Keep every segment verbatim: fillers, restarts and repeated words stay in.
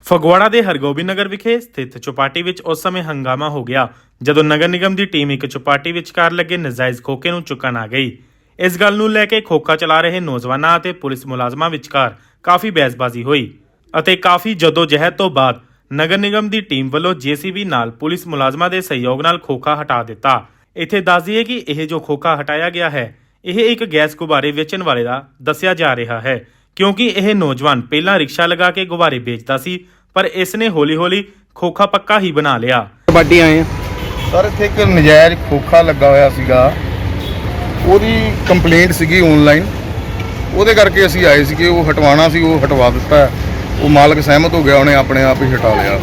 ਫਗਵਾੜਾ ਦੇ ਹਰਗੋਬਿੰਦ ਨਗਰ ਵਿਖੇ ਸਥਿਤ ਚੌਪਾਟੀ ਵਿੱਚ ਉਸ ਸਮੇਂ ਹੰਗਾਮਾ ਹੋ ਗਿਆ ਜਦੋਂ ਨਗਰ ਨਿਗਮ ਦੀ ਟੀਮ ਇੱਕ ਚੌਪਾਟੀ ਵਿਚਕਾਰ ਲੱਗੇ ਨਜਾਇਜ਼ ਖੋਖੇ ਨੂੰ ਚੁੱਕਣ ਆ ਗਈ। ਇਸ ਗੱਲ ਨੂੰ ਲੈ ਕੇ ਖੋਖਾ ਚਲਾ ਰਹੇ ਨੌਜਵਾਨਾਂ ਅਤੇ ਪੁਲਿਸ ਮੁਲਾਜ਼ਮਾਂ ਵਿਚਕਾਰ ਕਾਫੀ ਬਹਿਸਬਾਜ਼ੀ ਹੋਈ ਅਤੇ ਕਾਫੀ ਜਦੋਜਹਿਦ ਤੋਂ ਬਾਅਦ ਨਗਰ ਨਿਗਮ ਦੀ ਟੀਮ ਵੱਲੋਂ ਜੇਸੀਬੀ ਨਾਲ ਪੁਲਿਸ ਮੁਲਾਜ਼ਮਾਂ ਦੇ ਸਹਿਯੋਗ ਨਾਲ ਖੋਖਾ ਹਟਾ ਦਿੱਤਾ। ਇੱਥੇ ਦੱਸ ਦਈਏ ਕਿ ਇਹ ਜੋ ਖੋਖਾ ਹਟਾਇਆ ਗਿਆ ਹੈ ਇਹ ਇੱਕ ਗੈਸ ਗੁਬਾਰੇ ਵੇਚਣ ਵਾਲੇ ਦਾ ਦੱਸਿਆ ਜਾ ਰਿਹਾ ਹੈ, ਕਿਉਂਕਿ ਇਹ ਨੌਜਵਾਨ ਪਹਿਲਾਂ ਰਿਕਸ਼ਾ ਲਗਾ ਕੇ ਗੁਬਾਰੇ ਵੇਚਦਾ ਸੀ ਪਰ ਇਸ ਨੇ ਹੌਲੀ-ਹੌਲੀ ਖੋਖਾ ਪੱਕਾ ਹੀ ਬਣਾ ਲਿਆ। ਕਬੱਡੀ ਆਏ ਆ ਸਰ, ਇੱਥੇ ਇੱਕ ਨਜਾਇਜ਼ ਖੋਖਾ ਲੱਗਾ ਹੋਇਆ ਸੀਗਾ, ਉਹਦੀ ਕੰਪਲੇਂਟ ਸੀਗੀ ਆਨਲਾਈਨ, ਉਹਦੇ ਕਰਕੇ ਅਸੀਂ ਆਏ ਸੀਗੇ। ਉਹ ਹਟਵਾਉਣਾ ਸੀ, ਉਹ ਹਟਵਾ ਦਿੱਤਾ। ਉਹ ਮਾਲਕ ਸਹਿਮਤ ਹੋ ਗਿਆ, ਉਹਨੇ ਆਪਣੇ ਆਪ ਹੀ ਹਟਾ ਲਿਆ।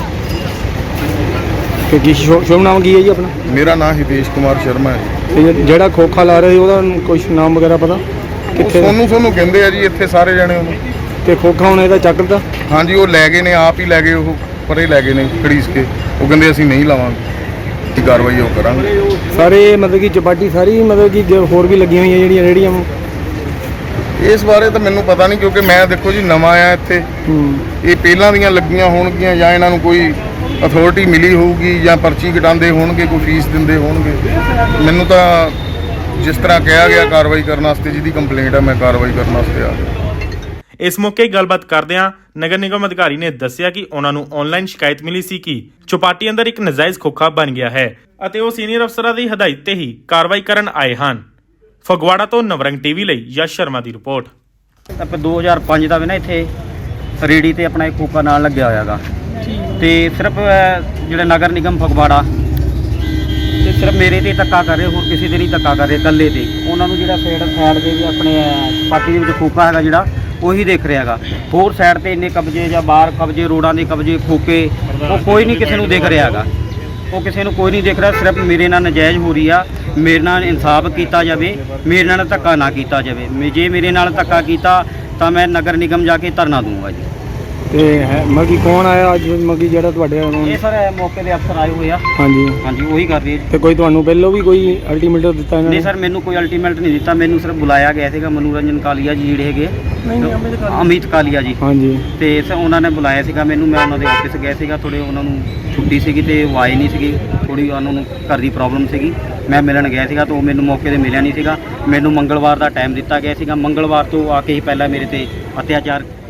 ਤੇ ਕੀ ਸ਼ੁਭ ਨਾਮ ਕੀ ਹੈ ਜੀ ਆਪਣਾ? ਮੇਰਾ ਨਾਮ ਹਿਤੇਸ਼ ਕੁਮਾਰ ਸ਼ਰਮਾ ਹੈ। ਤੇ ਜਿਹੜਾ ਖੋਖਾ ਲਾ ਰਹੇ ਉਹਦਾ ਕੁਝ ਨਾਮ ਵਗੈਰਾ ਪਤਾ ਕਿੱਥੇ? ਸੋਨੂੰ ਸੋਨੂੰ ਕਹਿੰਦੇ ਆ ਜੀ ਇੱਥੇ ਸਾਰੇ ਜਣੇ ਉਹਨੂੰ। ਤੇ ਖੋਖਾ ਹੁਣ ਇਹਦਾ ਚੱਕ ਦਿੱਤਾ? ਹਾਂਜੀ, ਉਹ ਲੈ ਗਏ ਨੇ, ਆਪ ਹੀ ਲੈ ਗਏ, ਉਹ ਪਰੇ ਲੈ ਗਏ ਨੇ ਖੜੀਸ ਕੇ। ਉਹ ਕਹਿੰਦੇ ਅਸੀਂ ਨਹੀਂ ਲਾਵਾਂਗੇ, ਕੀ ਕਾਰਵਾਈ ਉਹ ਕਰਾਂਗੇ। ਸਾਰੇ ਮਤਲਬ ਕਿ ਚਪਾਟੀ ਸਾਰੀ ਮਤਲਬ ਕਿ ਹੋਰ ਵੀ ਲੱਗੀਆਂ ਹੋਈਆਂ ਜਿਹੜੀਆਂ ਰੇਹੜੀਆਂ? ਇਸ ਬਾਰੇ ਤਾਂ ਮੈਨੂੰ ਪਤਾ ਨਹੀਂ, ਕਿਉਂਕਿ ਮੈਂ ਦੇਖੋ ਜੀ ਨਵਾਂ ਆਇਆ ਇੱਥੇ। ਇਹ ਪਹਿਲਾਂ ਦੀਆਂ ਲੱਗੀਆਂ ਹੋਣਗੀਆਂ ਜਾਂ ਇਹਨਾਂ ਨੂੰ ਕੋਈ ਅਥਾਰਟੀ ਮਿਲੀ ਹੋਊਗੀ ਜਾਂ ਪਰਚੀ ਕਟਾਉਂਦੇ ਹੋਣਗੇ, ਕੋਈ ਫੀਸ ਦਿੰਦੇ ਹੋਣਗੇ। ਮੈਨੂੰ ਤਾਂ ਜਿਸ ਤਰ੍ਹਾਂ ਕਿਹਾ ਗਿਆ ਕਾਰਵਾਈ ਕਰਨ ਵਾਸਤੇ, ਜਿਹਦੀ ਕੰਪਲੇਂਟ ਹੈ ਮੈਂ ਕਾਰਵਾਈ ਕਰਨ ਵਾਸਤੇ ਆ ਗਿਆ। ਇਸ ਮੌਕੇ ਗੱਲਬਾਤ ਕਰਦਿਆਂ ਨਗਰ ਨਿਗਮ ਅਧਿਕਾਰੀ ਨੇ ਦੱਸਿਆ ਕਿ ਉਹਨਾਂ ਨੂੰ ਆਨਲਾਈਨ ਸ਼ਿਕਾਇਤ ਮਿਲੀ ਸੀ ਕਿ ਚੌਪਾਟੀ ਅੰਦਰ ਇੱਕ ਨਜਾਇਜ਼ ਖੋਖਾ ਬਣ ਗਿਆ ਹੈ ਅਤੇ ਉਹ ਸੀਨੀਅਰ ਅਫਸਰਾਂ ਦੀ ਹਦਾਇਤ ਤੇ ਹੀ ਕਾਰਵਾਈ ਕਰਨ ਆਏ ਹਨ। ਫਗਵਾੜਾ ਤੋਂ ਨਵਰੰਗ ਟੀਵੀ ਲਈ ਯਸ਼ ਸ਼ਰਮਾ ਦੀ ਰਿਪੋਰਟ। ਆਪਾਂ ਦੋ ਹਜ਼ਾਰ ਪੰਜ ਦਾ ਵੀ ਨਾ ਇੱਥੇ ਰੇੜੀ ਤੇ ਆਪਣਾ ਇੱਕ ਖੋਖਾ ਨਾਲ ਲੱਗਿਆ ਹੋਇਆਗਾ ਤੇ ਸਿਰਫ ਜਿਹੜਾ ਨਗਰ ਨਿਗਮ ਫਗਵਾੜਾ ਤੇ ਸਿਰਫ ਮੇਰੇ ਤੇ ਧੱਕਾ ਕਰ ਰਹੇ, ਹੋਰ ਕਿਸੇ ਤੇ ਨਹੀਂ ਧੱਕਾ ਕਰ ਰਹੇ, ਇਕੱਲੇ ਤੇ। ਉਹਨਾਂ ਨੂੰ ਜਿਹੜਾ ਸਾਈਡ ਸਾਈਡ ਦੇ ਵੀ ਆਪਣੇ ਚੌਪਾਟੀ ਦੇ ਵਿੱਚ ਖੋਖਾ ਹੈਗਾ ਜਿਹੜਾ ਉਹੀ ਦੇਖ ਰਿਹਾ ਹੈਗਾ। ਹੋਰ ਸਾਈਡ ਤੇ ਇੰਨੇ ਕਬਜ਼ੇ ਜਾਂ ਬਾਹਰ ਕਬਜ਼ੇ, ਰੋਡਾਂ ਦੇ ਕਬਜ਼ੇ, ਖੋਕੇ, ਉਹ ਕੋਈ ਨਹੀਂ ਕਿਸੇ ਨੂੰ ਦੇਖ ਰਿਹਾ ਹੈਗਾ। ਉਹ ਕਿਸੇ ਨੂੰ ਕੋਈ ਨਹੀਂ ਦੇਖ ਰਿਹਾ, ਸਿਰਫ ਮੇਰੇ ਨਾਲ ਨਜਾਇਜ਼ ਹੋ ਰਹੀ ਆ। ਮੇਰੇ ਨਾਲ ਇਨਸਾਫ ਕੀਤਾ ਜਾਵੇ, ਮੇਰੇ ਨਾਲ ਧੱਕਾ ਨਾ ਕੀਤਾ ਜਾਵੇ। ਜੇ ਮੇਰੇ ਨਾਲ ਧੱਕਾ ਕੀਤਾ ਤਾਂ ਮੈਂ ਨਗਰ ਨਿਗਮ ਜਾ ਕੇ ਧਰਨਾ ਦੂੰਗਾ ਜੀ। ਤੇ ਹੈ ਮਗੀ ਕੌਣ ਆਇਆ ਅੱਜ ਮਗੀ ਜਿਹੜਾ ਤੁਹਾਡੇ? ਇਹ ਸਰ ਮੌਕੇ ਦੇ ਅਫਸਰ ਆਏ ਹੋਏ ਆ। ਹਾਂਜੀ ਹਾਂਜੀ, ਉਹੀ ਕਰ ਰਹੀ ਹੈ। ਤੇ ਕੋਈ ਤੁਹਾਨੂੰ ਪਹਿਲਾਂ ਵੀ ਕੋਈ ਅਲਟੀਮੇਟਮ ਦਿੱਤਾ ਇਹਨਾਂ ਨੇ? ਨਹੀਂ ਸਰ, ਮੈਨੂੰ ਕੋਈ ਅਲਟੀਮੇਟ ਨਹੀਂ ਦਿੱਤਾ। ਮੈਨੂੰ ਸਿਰਫ ਬੁਲਾਇਆ ਗਿਆ ਸੀਗਾ ਮਨੋਰੰਜਨ ਕਾਲੀਆ ਜੀ ਜਿਹੜੇ ਹੈਗੇ, ਅਮਿਤ ਕਾਲੀਆ ਜੀ। ਹਾਂਜੀ। ਤੇ ਸਰ ਉਹਨਾਂ ਨੇ ਬੁਲਾਇਆ ਸੀਗਾ ਮੈਨੂੰ। ਮੈਂ ਉਹਨਾਂ ਦੇ ਆਫਿਸ ਗਿਆ ਸੀਗਾ, ਥੋੜੇ ਉਹਨਾਂ ਨੂੰ ਛੁੱਟੀ ਸੀਗੀ ਤੇ ਉਹ ਆਏ ਨਹੀਂ ਸੀਗੇ। ਥੋੜੀ ਉਹਨਾਂ ਨੂੰ ਘਰ ਦੀ ਪ੍ਰੋਬਲਮ ਸੀਗੀ। ਮੈਂ ਮਿਲਣ ਗਿਆ ਸੀਗਾ ਤਾਂ ਉਹ ਮੈਨੂੰ ਮੌਕੇ ਤੇ ਮਿਲਿਆ ਨਹੀਂ ਸੀਗਾ। ਮੈਨੂੰ ਮੰਗਲਵਾਰ ਦਾ ਟਾਈਮ ਦਿੱਤਾ ਗਿਆ ਸੀਗਾ। ਮੰਗਲਵਾਰ ਤੋਂ ਆ ਕੇ ਹੀ ਪਹਿਲਾਂ ਮੇਰੇ ਤੇ ਅਤਿਆਚਾਰ